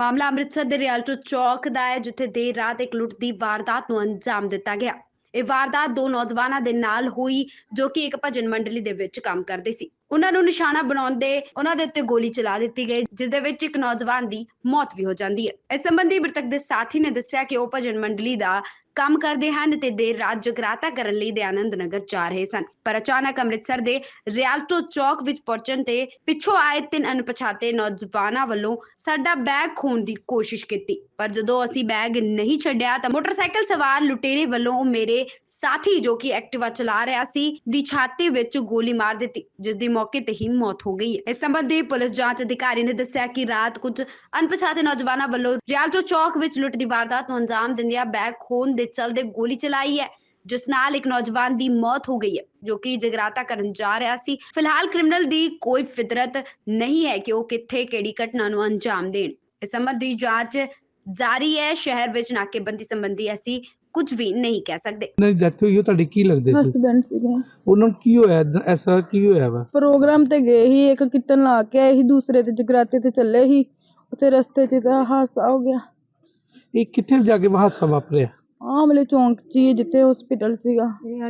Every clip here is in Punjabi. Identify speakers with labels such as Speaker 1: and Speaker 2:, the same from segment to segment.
Speaker 1: ਮਾਮਲਾ ਅੰਮ੍ਰਿਤਸਰ ਦੇ ਰਿਆਲਟੋ ਚੌਕ ਦਾ ਹੈ, ਜਿੱਥੇ ਦੇਰ ਰਾਤ ਇੱਕ ਲੁੱਟ ਦੀ ਵਾਰਦਾਤ ਨੂੰ ਅੰਜਾਮ ਦਿੱਤਾ ਗਿਆ। ਇਹ ਵਾਰਦਾਤ ਦੋ ਨੌਜਵਾਨਾਂ ਦੇ ਨਾਲ ਹੋਈ, ਜੋ ਕਿ ਇੱਕ ਭਜਨ ਮੰਡਲੀ ਦੇ ਵਿੱਚ ਕੰਮ ਕਰਦੇ ਸੀ। ਉਹਨਾਂ ਨੂੰ ਨਿਸ਼ਾਨਾ ਬਣਾਉਂਦੇ ਉਹਨਾਂ ਦੇ ਉੱਤੇ ਗੋਲੀ ਚਲਾ ਦਿੱਤੀ ਗਈ, ਜਿਸ ਦੇ ਵਿੱਚ ਇੱਕ ਨੌਜਵਾਨ ਦੀ ਮੌਤ ਵੀ ਹੋ ਜਾਂਦੀ ਹੈ। ਇਸ ਸੰਬੰਧੀ ਮ੍ਰਿਤਕ ਦੇ ਸਾਥੀ ਨੇ ਦੱਸਿਆ ਕਿ ਉਹ ਭਜਨ ਮੰਡਲੀ ਦਾ ਕੰਮ ਕਰਦੇ ਹਨ ਤੇ ਦੇਰ ਰਾਤ ਜਗਰਾਤਾ ਕਰਨ ਲਈ ਦਯਾਨੰਦ ਨਗਰ ਜਾ ਰਹੇ ਸਨ, ਪਰ ਅਚਾਨਕ ਅੰਮ੍ਰਿਤਸਰ ਦੇ ਰਿਆਲਟੋ ਚੌਕ ਵਿੱਚ ਪਹੁੰਚਣ ਤੇ ਪਿੱਛੋਂ ਆਏ ਤਿੰਨ ਅਣਪਛਾਤੇ ਨੌਜਵਾਨਾਂ ਵੱਲੋਂ ਸਾਡਾ ਬੈਗ ਖੋਹਣ ਦੀ ਕੋਸ਼ਿਸ਼ ਕੀਤੀ। ਪਰ ਜਦੋਂ ਅਸੀਂ ਬੈਗ ਨਹੀਂ ਛੱਡਿਆ ਤਾਂ ਮੋਟਰਸਾਈਕਲ ਸਵਾਰ ਲੁਟੇਰੇ ਵੱਲੋਂ ਮੇਰੇ ਸਾਥੀ, ਜੋ ਕਿ ਐਕਟਿਵਾ ਚਲਾ ਰਿਹਾ ਸੀ, ਦੀ ਛਾਤੀ ਵਿੱਚ ਗੋਲੀ ਮਾਰ ਦਿੱਤੀ, ਜਿਸ ਦੀ ਮੌਕੇ ਤੇ ਹੀ ਮੌਤ ਹੋ ਗਈ ਹੈ। ਇਸ ਸੰਬੰਧੀ ਪੁਲਿਸ ਜਾਂਚ ਅਧਿਕਾਰੀ ਨੇ ਦੱਸਿਆ ਕਿ ਰਾਤ ਕੁਝ ਅਣਪਛਾਤੇ ਨੌਜਵਾਨਾਂ ਵੱਲੋਂ ਰਿਆਲਟੋ ਚੌਕ ਵਿੱਚ ਲੁੱਟ ਦੀ ਵਾਰਦਾਤ ਨੂੰ ਅੰਜਾਮ ਦਿੰਦਿਆਂ ਬੈਗ ਖੋਹਣ ਦੇ ਚਲਦੇ ਗੋਲੀ ਚਲਾਈ ਹੈ, ਜਿਸ ਨਾਲ ਇੱਕ ਨੌਜਵਾਨ ਦੀ ਮੌਤ ਹੋ ਗਈ ਹੈ, ਜੋ ਕਿ ਜਗਰਾਤਾ ਕਰਨ ਜਾ ਰਿਹਾ ਸੀ। ਫਿਲਹਾਲ ਕ੍ਰਿਮੀਨਲ ਦੀ ਕੋਈ ਫਿਤਰਤ ਨਹੀਂ ਹੈ ਕਿ ਉਹ ਕਿੱਥੇ ਕਿਹੜੀ ਘਟਨਾ ਨੂੰ ਅੰਜਾਮ ਦੇਣ। ਇਸ ਸੰਬੰਧੀ ਜਾਂਚ ਜਾਰੀ ਹੈ। ਸ਼ਹਿਰ ਵਿੱਚ ਨਾਕੇਬੰਦੀ ਸੰਬੰਧੀ ਅਸੀਂ ਕੁਝ ਵੀ ਨਹੀਂ ਕਹਿ ਸਕਦੇ।
Speaker 2: ਨਹੀਂ, ਡੈਥ ਹੋਈ ਉਹ ਤੁਹਾਡੀ ਕੀ ਲੱਗਦੇ ਸੀ?
Speaker 3: ਹਸਬੈਂਡ ਸੀਗੇ।
Speaker 2: ਉਹਨਾਂ ਨੂੰ ਕੀ ਹੋਇਆ? ਐਸਾ ਕੀ ਹੋਇਆ ਵਾ?
Speaker 3: ਪ੍ਰੋਗਰਾਮ ਤੇ ਗਏ ਹੀ, ਇੱਕ ਕੀਰਤਨ ਲਾ ਕੇ ਆਏ ਸੀ, ਦੂਸਰੇ ਤੇ ਜਗਰਾਤੇ ਤੇ ਚੱਲੇ ਸੀ। ਉੱਥੇ ਰਸਤੇ 'ਚ ਤਾਂ ਹਾਦਸਾ ਹੋ ਗਿਆ।
Speaker 2: ਇਹ ਕਿੱਥੇ ਜਾ ਕੇ ਹਾਦਸਾ ਵਾਪਰਿਆ?
Speaker 3: ਆਮਲੇ ਚੌਂਕ 'ਚ ਹੀ, ਜਿੱਥੇ ਹਸਪੀਟਲ ਸੀਗਾ।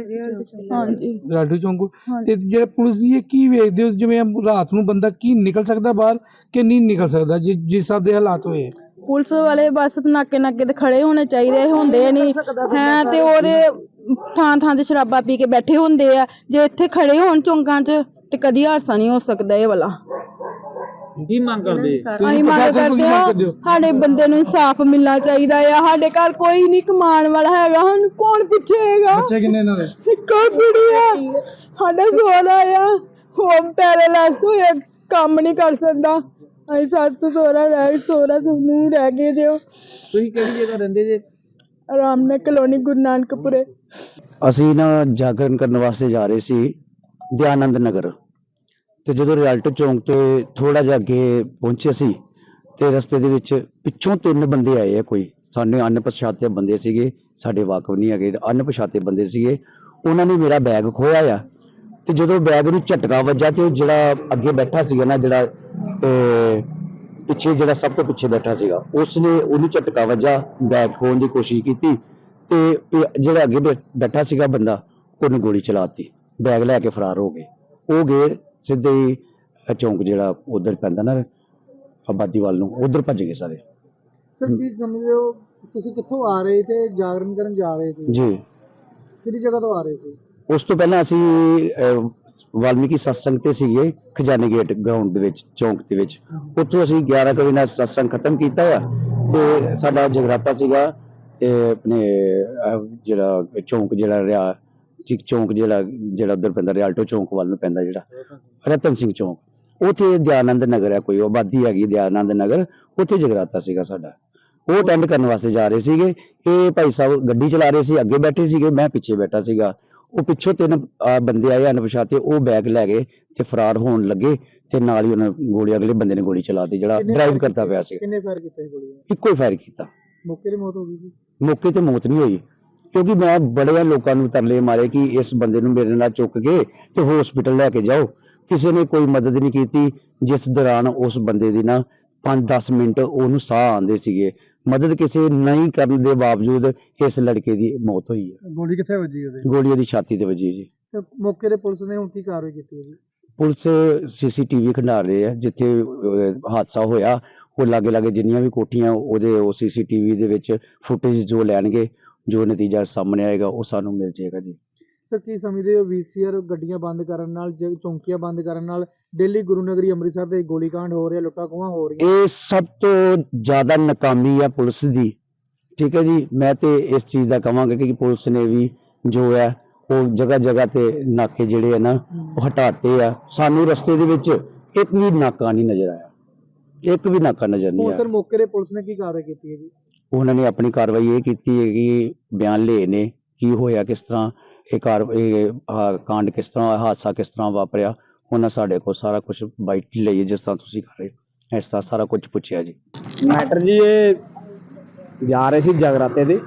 Speaker 3: ਹਾਂਜੀ,
Speaker 2: ਰਾਡੂ ਚੌਂਕ। ਤੇ ਜਿਹੜਾ ਪੁਲਿਸ ਦੀ ਇਹ ਕੀ ਵੇਖਦੇ ਹੋ, ਜਿਵੇਂ ਰਾਤ ਨੂੰ ਬੰਦਾ ਕੀ ਨਿਕਲ ਸਕਦਾ ਬਾਹਰ ਕਿ ਨਹੀਂ ਨਿਕਲ ਸਕਦਾ ਜਿਸ ਹਿਸਾਬ ਦੇ ਹਾਲਾਤ ਹੋਏ?
Speaker 3: ਪੁਲਿਸ ਵਾਲੇ ਬਸ ਨਾਕੇ ਤੇ ਖੜੇ ਹੋਣੇ ਚਾਹੀਦੇ, ਹੁੰਦੇ ਨਹੀਂ ਹੈ ਤੇ ਉਹਦੇ ਥਾਂ ਤੇ ਸ਼ਰਾਬਾਂ ਪੀ ਕੇ ਬੈਠੇ ਹੁੰਦੇ ਆ। ਜੇ ਇੱਥੇ ਖੜੇ ਹੋਣ ਚੌਂਕਾਂ 'ਚ ਤੇ ਕਦੀ ਹਾਦਸਾ ਨਹੀਂ ਹੋ ਸਕਦਾ ਇਹ ਵਾਲਾ।
Speaker 2: ਕੀ ਮੰਗ ਕਰਦੇ?
Speaker 3: ਅਸੀਂ ਮੰਗ ਕਰਦੇ ਹਾਂ ਸਾਡੇ ਬੰਦੇ ਨੂੰ ਇਨਸਾਫ ਮਿਲਣਾ ਚਾਹੀਦਾ ਆ। ਸਾਡੇ ਘਰ ਕੋਈ ਨਹੀਂ ਕਮਾਉਣ ਵਾਲਾ ਹੈਗਾ, ਸਾਨੂੰ ਕੌਣ ਪੁੱਛੇਗਾ?
Speaker 2: ਬੱਚੇ ਕਿੰਨੇ ਇਹਨਾਂ ਦੇ?
Speaker 3: ਇੱਕੋ ਕੁੜੀ ਆ, ਸਾਡਾ ਸੋਹਰਾ ਆ, ਉਹ ਪੈਰਾਲਾਈਜ਼ ਹੋਇਆ, ਕੰਮ ਨਹੀਂ ਕਰ ਸਕਦਾ। ਅਸੀਂ ਸੱਸ ਸਹੁਰਾ ਨੂੰ ਰਹਿ ਗਏ ਜੇ।
Speaker 2: ਤੁਸੀਂ ਕਿਹੜੀ ਜਗ੍ਹਾ ਰਹਿੰਦੇ ਜੇ?
Speaker 3: ਆਰਾਮਨਗਰ ਕਲੋਨੀ, ਗੁਰੂ ਨਾਨਕਪੁਰੇ।
Speaker 4: ਅਸੀਂ ਨਾ ਜਾਗਰਣ ਕਰਨ ਵਾਸਤੇ ਜਾ ਰਹੇ ਸੀ ਦਯਾਨੰਦ ਨਗਰ, ਤੇ ਜਦੋਂ ਰਿਆਲਟੋ ਚੌਂਕ ਤੇ ਥੋੜਾ ਜਿਹਾ ਅੱਗੇ ਪਹੁੰਚੇ ਸੀ ਤੇ ਰਸਤੇ ਦੇ ਵਿੱਚ ਪਿੱਛੋਂ ਤਿੰਨ ਬੰਦੇ ਆਏ ਆ। ਕੋਈ ਸਾਡੇ ਅਣਪਛਾਤੇ ਬੰਦੇ ਸੀਗੇ, ਸਾਡੇ ਵਾਕਫ ਨਹੀਂ ਹੈਗੇ, ਅਣਪਛਾਤੇ ਬੰਦੇ ਸੀਗੇ। ਉਹਨਾਂ ਨੇ ਮੇਰਾ ਬੈਗ ਖੋਇਆ ਆ, ਤੇ ਜਦੋਂ ਬੈਗ ਨੂੰ ਝਟਕਾ ਵੱਜਾ ਤੇ ਉਹ ਜਿਹੜਾ ਅੱਗੇ ਬੈਠਾ ਸੀਗਾ ਨਾ, ਜਿਹੜਾ ਪਿੱਛੇ, ਜਿਹੜਾ ਸਭ ਤੋਂ ਪਿੱਛੇ ਬੈਠਾ ਸੀਗਾ, ਉਸਨੇ ਉਹਨੂੰ ਝਟਕਾ ਵੱਜਾ, ਬੈਗ ਖੋਹਣ ਦੀ ਕੋਸ਼ਿਸ਼ ਕੀਤੀ ਤੇ ਜਿਹੜਾ ਅੱਗੇ ਬੈਠਾ ਸੀਗਾ ਬੰਦਾ, ਉਹਨੇ ਗੋਲੀ ਚਲਾਤੀ, ਬੈਗ ਲੈ ਕੇ ਫਰਾਰ ਹੋ ਗਏ। ਉਹ ਗਏ ਸਿੱਧੇ ਹੀ ਚੌਂਕ ਜਿਹੜਾ ਉਧਰ ਪੈਂਦਾ ਨਾ ਆਬਾਦੀ ਵੱਲ ਨੂੰ, ਉਧਰ ਭੱਜ ਗਏ ਸਾਰੇ।
Speaker 2: ਸਰ ਕੀ ਸਮਝਦੇ ਹੋ, ਤੁਸੀਂ ਕਿੱਥੋਂ ਆ ਰਹੇ ਤੇ ਜਾਗਰਣ ਕਰਨ ਜਾ ਰਹੇ ਸੀ
Speaker 4: ਜੀ?
Speaker 2: ਕਿਹੜੀ ਜਗ੍ਹਾ ਤੋਂ ਆ ਰਹੇ ਸੀ?
Speaker 4: ਉਸ ਤੋਂ ਪਹਿਲਾਂ ਅਸੀਂ ਵਾਲਮੀਕੀ ਸਤਸੰਗ ਤੇ ਸੀਗੇ, ਖਜ਼ਾਨੇ ਗੇਟ ਗਰਾਊਂਡ ਦੇ ਵਿੱਚ, ਚੌਂਕ ਦੇ ਵਿੱਚ। ਉੱਥੋਂ ਅਸੀਂ 11 ਵਜੇ ਨਾਲ ਸਤਸੰਗ ਖਤਮ ਕੀਤਾ ਆ ਤੇ ਸਾਡਾ ਜਗਰਾਤਾ ਸੀਗਾ ਆਪਣੇ ਜਿਹੜਾ ਚੌਂਕ, ਜਿਹੜਾ ਚੌਂਕ ਜਿਹੜਾ ਉਧਰ ਪੈਂਦਾ, ਰਿਆਲਟੋ ਚੌਂਕ ਵੱਲ ਨੂੰ ਪੈਂਦਾ, ਜਿਹੜਾ ਰਤਨ ਸਿੰਘ ਚੌਂਕ, ਉੱਥੇ ਦਯਾਨੰਦ ਨਗਰ ਹੈ, ਕੋਈ ਆਬਾਦੀ ਹੈਗੀ ਦਯਾਨੰਦ ਨਗਰ, ਉੱਥੇ ਜਗਰਾਤਾ ਸੀਗਾ ਸਾਡਾ। ਉਹ ਅਟੈਂਡ ਕਰਨ ਵਾਸਤੇ ਜਾ ਰਹੇ ਸੀਗੇ। ਇਹ ਭਾਈ ਸਾਹਿਬ ਗੱਡੀ ਚਲਾ ਰਹੇ ਸੀ, ਅੱਗੇ ਬੈਠੇ ਸੀਗੇ, ਮੈਂ ਪਿੱਛੇ ਬੈਠਾ ਸੀਗਾ। ਉਹ ਪਿੱਛੋਂ ਤਿੰਨ ਬੰਦੇ ਆਏ ਅਣਪਛਾਤੇ, ਉਹ ਬੈਗ ਲੈ ਗਏ ਤੇ ਫਰਾਰ ਹੋਣ ਲੱਗੇ ਤੇ ਨਾਲ ਹੀ ਉਹਨਾਂ ਗੋਲੀ, ਅਗਲੇ ਬੰਦੇ ਨੇ ਗੋਲੀ ਚਲਾਤੀ ਜਿਹੜਾ ਡਰਾਈਵ ਕਰਦਾ ਪਿਆ ਸੀ।
Speaker 2: ਕਿੰਨੇ ਫਾਇਰ ਕੀਤੇ ਗੋਲੀਆਂ?
Speaker 4: ਇੱਕੋ ਹੀ ਫਾਇਰ ਕੀਤਾ।
Speaker 2: ਮੌਕੇ ਤੇ ਮੌਤ ਹੋ ਗਈ ਸੀ?
Speaker 4: ਮੌਕੇ ਤੇ ਮੌਤ ਨਹੀਂ ਹੋਈ, ਕਿਉਂਕਿ ਮੈਂ ਬੜੇ ਲੋਕਾਂ ਨੂੰ ਤਰਲੇ ਮਾਰੇ ਕਿ ਇਸ ਬੰਦੇ ਨੂੰ ਮੇਰੇ ਨਾਲ ਚੁੱਕ ਕੇ ਤੇ ਹਸਪੀਟਲ ਲੈ ਕੇ ਜਾਓ। ਕਿਸੇ ਨੇ ਕੋਈ ਮਦਦ ਨਹੀਂ ਕੀਤੀ, ਜਿਸ ਦੌਰਾਨ ਉਸ ਬੰਦੇ ਦੀ ਨਾ 5-10 ਮਿੰਟ ਉਹਨੂੰ ਸਾਹ ਆਉਂਦੇ ਸੀਗੇ। ਮਦਦ ਕਿਸੇ ਨਹੀਂ ਕਰਨ ਦੇ ਬਾਵਜੂਦ ਇਸ ਲੜਕੇ ਦੀ ਮੌਤ ਹੋਈ ਹੈ।
Speaker 2: ਗੋਲੀ ਕਿੱਥੇ ਵੱਜੀ ਉਹਦੇ?
Speaker 4: ਗੋਲੀ ਉਹਦੀ ਛਾਤੀ ਤੇ ਵੱਜੀ ਜੀ।
Speaker 2: ਤੇ ਮੌਕੇ ਤੇ ਪੁਲਿਸ ਨੇ ਹੁਣ ਕੀ ਕਾਰਵਾਈ ਕੀਤੀ ਹੈ ਜੀ?
Speaker 4: ਪੁਲਿਸ CCTV ਖੰਡਾਰ ਰਹੇ ਆ, ਜਿੱਥੇ ਹਾਦਸਾ ਹੋਇਆ ਉਹ ਲਾਗੇ ਜਿੰਨੀਆਂ ਵੀ ਕੋਠੀਆਂ, ਉਹਦੇ ਉਹ CCTV ਦੇ ਵਿੱਚ ਫੁਟੇਜ ਜੋ ਲੈਣਗੇ, ਜੋ ਨਤੀਜਾ ਸਾਹਮਣੇ ਆਏਗਾ ਉਹ ਸਾਨੂੰ ਮਿਲ ਜਾਏਗਾ ਜੀ।
Speaker 2: ਸਰ ਕੀ ਸਮਝਦੇ ਹੋ, VCR ਗੱਡੀਆਂ ਬੰਦ ਕਰਨ ਨਾਲ, ਚੌਂਕੀਆਂ ਬੰਦ ਕਰਨ ਨਾਲ ਦਿੱਲੀ ਗੁਰੂ ਨਗਰੀ ਅੰਮ੍ਰਿਤਸਰ ਦੇ ਗੋਲੀकांड ਹੋ ਰਿਹਾ, ਲੁੱਟਾਂ ਖੋਹਾਂ ਹੋ ਰਹੀਆਂ?
Speaker 4: ਇਹ ਸਭ ਤੋਂ ਜ਼ਿਆਦਾ ਨਾਕਾਮੀ ਆ ਪੁਲਿਸ ਦੀ। ਠੀਕ ਹੈ ਜੀ, ਮੈਂ ਤੇ ਇਸ ਚੀਜ਼ ਦਾ ਕਹਾਂਗਾ ਕਿ ਪੁਲਿਸ ਨੇ ਵੀ ਜੋ ਹੈ ਉਹ ਜਗ੍ਹਾ ਤੇ ਨਾਕੇ ਜਿਹੜੇ ਆ ਨਾ ਉਹ ਹਟਾਤੇ ਆ। ਸਾਨੂੰ ਰਸਤੇ ਦੇ ਵਿੱਚ ਇੱਕ ਵੀ ਨਾਕਾ ਨਹੀਂ ਨਜ਼ਰ ਆਇਆ, ਇੱਕ ਵੀ ਨਾਕਾ ਨਜ਼ਰ ਨਹੀਂ ਆਇਆ।
Speaker 2: ਸਰ ਮੌਕੇ ਤੇ ਪੁਲਿਸ ਨੇ ਕੀ ਕਾਰਵਾਈ ਕੀਤੀ ਹੈ ਜੀ?
Speaker 4: ਉਹਨਾਂ ਨੇ ਆਪਣੀ ਕਾਰਵਾਈ ਇਹ ਕੀਤੀ ਹੈ ਕਿ ਬਿਆਨ ਲਏ ਨੇ, ਕੀ ਹੋਇਆ, ਕਿਸ ਤਰ੍ਹਾਂ ਇਹ ਕਾਂਡ, ਕਿਸ ਤਰ੍ਹਾਂ ਹਾਦਸਾ ਕਿਸ ਤਰ੍ਹਾਂ ਵਾਪਰਿਆ। ਉਹਨਾਂ ਸਾਡੇ ਕੋਲ ਸਾਰਾ ਕੁਝ ਬਾਈਟ ਲਈ, ਜਿਸ ਤਰ੍ਹਾਂ ਤੁਸੀਂ ਕਰ ਰਹੇ ਇਸ ਤਰ੍ਹਾਂ ਸਾਰਾ ਕੁਝ ਪੁੱਛਿਆ ਜੀ।
Speaker 5: ਮੈਟਰ ਜੀ, ਇਹ ਜਾ ਰਹੇ ਸੀ ਜਗਰਾਤੇ ਦੇ,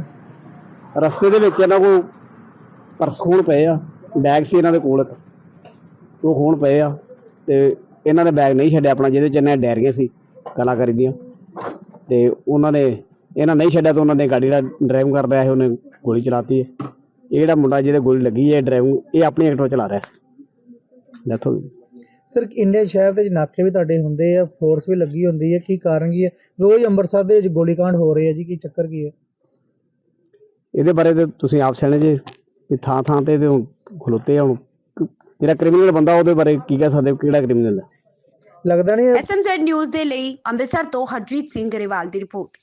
Speaker 5: ਰਸਤੇ ਦੇ ਵਿੱਚ ਇਹਨਾਂ ਕੋਲ ਪਰਸ ਖੋਣ ਪਏ ਆ, ਬੈਗ ਸੀ ਇਹਨਾਂ ਦੇ ਕੋਲ, ਉਹ ਖੋਣ ਪਏ ਆ ਤੇ ਇਹਨਾਂ ਨੇ ਬੈਗ ਨਹੀਂ ਛੱਡਿਆ ਆਪਣਾ, ਜਿਹਦੇ ਚ ਇਹਨਾਂ ਡੈਰੀਆਂ ਸੀ ਕਲਾਕਾਰੀ ਦੀਆਂ। ਤੇ ਉਹਨਾਂ ਨੇ ਇਹਨਾਂ ਨਹੀਂ ਛੱਡਿਆ, ਤਾਂ ਉਹਨਾਂ ਨੇ ਗਾੜੀ ਦਾ ਡਰਾਈਵਿੰਗ ਕਰ ਰਿਹਾ ਸੀ, ਉਹਨੇ ਗੋਲੀ ਚਲਾਤੀ ਹੈ। ਇਹ ਜਿਹੜਾ ਮੁੰਡਾ ਜਿਹਦੇ ਗੋਲੀ ਲੱਗੀ ਹੈ ਡਰਾਈਵਿੰਗ, ਇਹ ਆਪਣੀ ਐਕਟਿਵਾ ਚਲਾ ਰਿਹਾ ਸੀ, ਡੈਥ ਹੋ ਗਈ।
Speaker 2: ਸਰ ਇੰਡੀਆ ਸ਼ਹਿਰ ਦੇ ਵਿੱਚ ਨਾਕੇ ਵੀ ਤੁਹਾਡੇ ਹੁੰਦੇ ਆ, ਫੋਰਸ ਵੀ ਲੱਗੀ ਹੁੰਦੀ ਹੈ, ਕੀ ਕਾਰਨ ਕੀ ਹੈ? ਰੋਜ਼ ਅੰਮ੍ਰਿਤਸਰ ਦੇ ਵਿੱਚ ਗੋਲੀकांड ਹੋ ਰਹੇ ਆ ਜੀ, ਕੀ ਚੱਕਰ ਕੀ ਹੈ?
Speaker 5: ਇਹਦੇ ਬਾਰੇ ਤੇ ਤੁਸੀਂ ਆਪ ਸਿਆਣੇ ਜੇ, ਵੀ ਥਾਂ ਥਾਂ ਤੇ ਖਲੋਤੇ ਆ। ਹੁਣ ਜਿਹੜਾ ਕ੍ਰਿਮੀਨਲ ਬੰਦਾ ਉਹਦੇ ਬਾਰੇ ਕੀ ਕਹਿ ਸਕਦੇ, ਕਿਹੜਾ ਕ੍ਰਿਮੀਨਲ ਹੈ?
Speaker 2: ਲੱਗਦਾ ਨਹੀਂ
Speaker 1: SMZ ਨਿਊਜ਼ ਦੇ ਲਈ ਅੰਮ੍ਰਿਤਸਰ ਤੋਂ ਹਰਜੀਤ ਸਿੰਘ ਗਰੇਵਾਲ ਦੀ ਰਿਪੋਰਟ।